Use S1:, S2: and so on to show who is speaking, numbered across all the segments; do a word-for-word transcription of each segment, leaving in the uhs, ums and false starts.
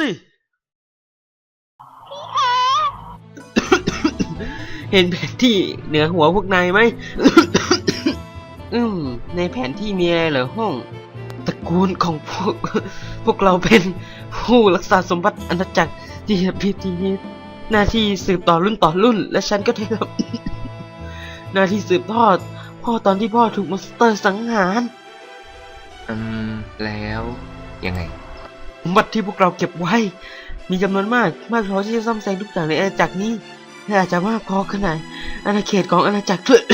S1: เห็นแผนที่เหนือหัวพวกนายไหม อืมในแผนที่มีอะไรเหรอห้องตระกูลของพวก พวกเราเป็นผู้รักษาสมบัติอาณาจักรที่พิธีหน้าที่สืบต่อรุ่นต่อรุ่นและฉันก็ได้รับ หน้าที่สืบทอดพ่อตอนที่พ่อถูกมอนสเตอร์สังหาร
S2: อืมแล้วยังไง
S1: สมบัติที่พวกเราเก็บไว้มีจำนวนมากมากพอที่จะซ่อมแซมทุกอย่างในอาณาจักรนี้และอาจจะมากพอขนาดอาณาเขตของอาณาจักรด้วย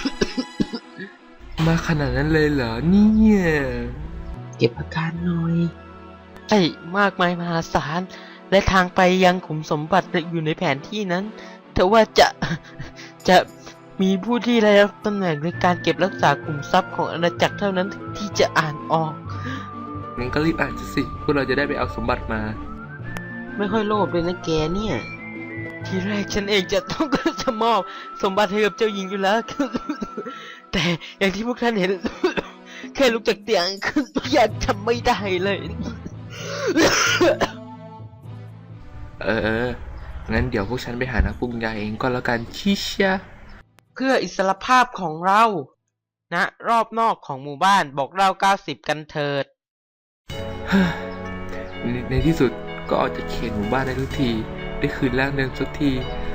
S2: มาขนาดนั้นเลยเหรอเนี่ย
S1: เก็บอาการหน่อยใช่มากมายมหาศาลและทางไปยังขุมสมบัติอยู่ในแผนที่นั้นแต่ว่าจะจะมีผู้ที่ได้รับตำแหน่งในการเก็บรักษากลุ่มทรัพย์ของอาณาจักรเท่านั้นที่จะอ่านออก
S2: งั้นก็รีบอ่านสิพวกเราจะได้ไปเอาสมบัติมา
S1: ไม่ค่อยโลภเลยนะแกเนี่ยทีแรกฉันเองจะต้องจะมอบสมบัติให้กับเจ้าหญิงอยู่แล้ว แต่อย่างที่พวกท่านเห็น แค่ลุกจากเตียงยังทำไม่ได้เลย
S2: เออเอองั้นเดี๋ยวพวกฉันไปหานักปรุงยาเองก็แล้วกันชิชะ
S1: เพื่ออิสรภาพของเราณนะรอบนอกของหมู่บ้านบอกเราเก้าสิบกันเถิด
S2: ใน, ในที่สุดก็ออกจากเขตหมู่บ้านได้ทุกทีได้คืนร่างเดิมสักที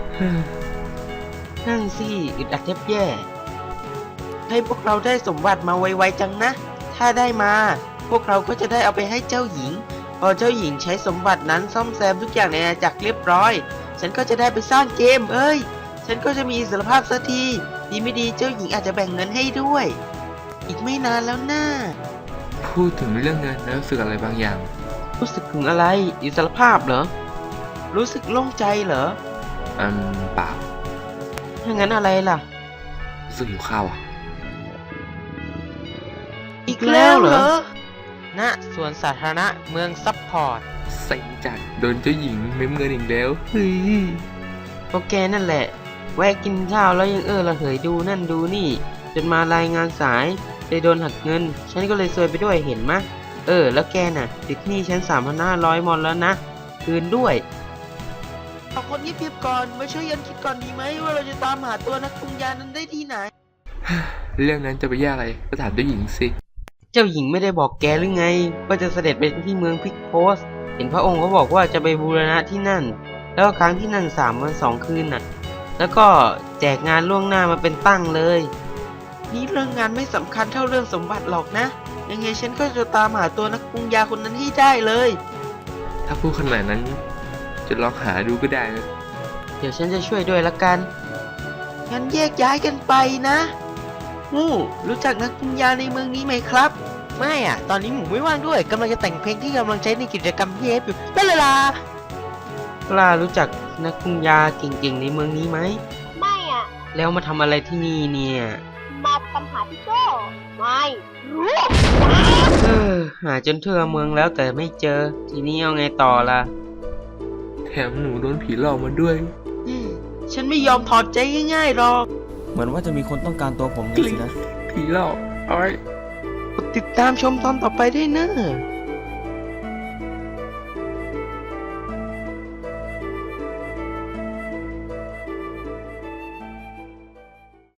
S1: นั่งสิอึดอัดแทบแย่ให้พวกเราได้สมบัติมาไวๆจังนะถ้าได้มาพวกเราก็จะได้เอาไปให้เจ้าหญิงพอเจ้าหญิงใช้สมบัตินั้นซ่อมแซมทุกอย่างในอาณาจักรเรียบร้อยฉันก็จะได้ไปสร้างเกมเอ้ยฉันก็จะมีอิสรภาพสักทีดีไม่ดีเจ้าหญิงอาจจะแบ่งเงินให้ด้วยอีกไม่นานแล้วนะ
S2: พูดถึงเรื่องเงินแล้วรู้สึกอะไรบางอย่าง
S1: รู้สึกถึงอะไรอิสรภาพเหรอรู้สึกโล่งใจเหรอ
S2: อืมเปล่า
S1: ถ้างั้นอะไรล่ะ
S2: รู้สึกหิวข้าวอ่ะ
S1: อีกแล้วเหรอณสวนสาธารณะเมืองซับพอร์ต
S2: เซ็งจัดโดนเจ้าหญิงเม้มเงินอีกแล้วเฮ้ย
S1: โอเคนั่นแหละแวะกินข้าวแล้วยังเออระเหยดูนั่นดูนี่จนมารายงานสายเลยโดนหักเงินฉันก็เลยซวยไปด้วยเห็นมะเออแล้วแกน่ะติดหนี้ฉันสามพันห้าร้อยมอนแล้วนะคืนด้วยเอาคนนี้เพียบก่อนมาช่วยยันคิดก่อนดีไหมว่าเราจะตามหาตัวนักปรุงยานั้นได้ที่ไหน
S2: เรื่องนั้นจะไปยากอะไรก็ถามเจ้าหญิงสิ
S1: เจ้าหญิงไม่ได้บอกแกหรือไงว่าจะเสด็จไปที่เมืองพิกโพสเห็นพระองค์เขาบอกว่าจะไปบูรณะที่นั่นแล้วก็ค้างที่นั่นสามวันสองคืนน่ะแล้วก็แจกงานล่วงหน้ามาเป็นตั้งเลยนี่เรื่องงานไม่สำคัญเท่าเรื่องสมบัติหรอกนะยังไงฉันก็จะตามหาตัวนักปรุงยาคนนั้นให้ได้เลย
S2: ถ้าพูดขนาดนั้นจะลองหาดูก็ได้นะ
S1: เดี๋ยวฉันจะช่วยด้วยละกันงั้นแยกย้ายกันไปนะหมูรู้จักนักปรุงยาในเมืองนี้ไหมครับไม่อ่ะตอนนี้หมูไม่ว่างด้วยกำลังจะแต่งเพลงที่กำลังใช้ในกิจกรรมเทปอยู่นั่นเลยล่ะปลารู้จักนักปรุงยาเก่งๆในเมืองนี้ไหม
S3: ไม่อ่ะ
S1: แล้วมาทำอะไรที่นี่เนี่ย
S3: มาตามหาพี่โก้ไม่รู้
S1: เออหาจนทั่วเมืองแล้วแต่ไม่เจอทีนี้เอาไงต่อล่ะ
S2: แถมหนูโดนผีหลอกมาด้วย
S1: ฉันไม่ยอมถอดใจง่ายๆหรอก
S4: เหมือนว่าจะมีคนต้องการตัวผมไงสินะ
S2: ผีหลอกอ้อย
S1: ติดตามชมตอนต่อไปได้เนอะ